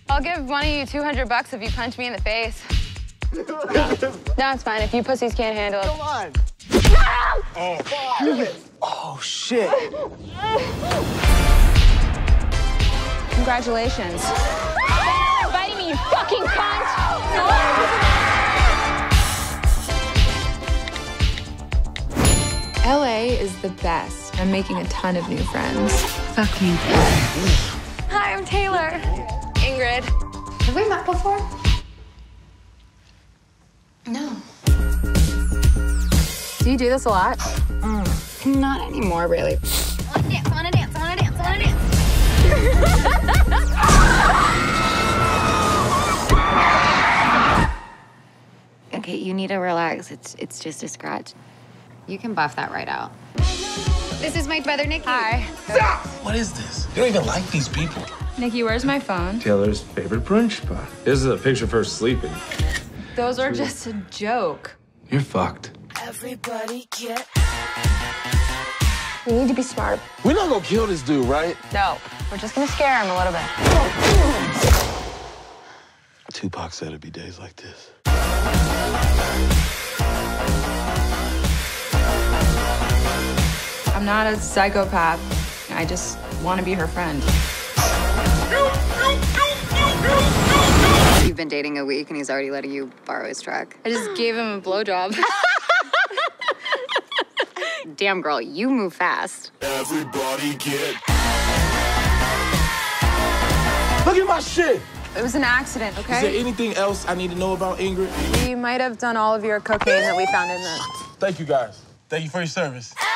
I'll give one of you 200 bucks if you punch me in the face. No, it's fine if you pussies can't handle it. Come on. Oh, Oh, shit. Congratulations. You're biting me, you fucking cunt! LA is the best. I'm making a ton of new friends. Fuck me. Hi, I'm Taylor. Ingrid. Have we met before? No. Do you do this a lot? Not anymore, really. I wanna dance. Okay, you need to relax. It's just a scratch. You can buff that right out. This is my brother, Nikki. Hi. stop! What is this? You don't even like these people. Nikki, where's my phone? Taylor's favorite brunch spot. This is a picture of her sleeping. Those are just a joke. You're fucked. Everybody get. We need to be smart. We're not gonna kill this dude, right? No, we're just gonna scare him a little bit. Tupac said it'd be days like this. I'm not a psychopath. I just want to be her friend. You've been dating a week and he's already letting you borrow his truck. I just gave him a blowjob. Damn, girl, you move fast. Everybody get. Look at my shit! It was an accident, Is there okay? anything else I need to know about Ingrid? You might have done all of your cocaine that we found in the... Thank you, guys. Thank you for your service.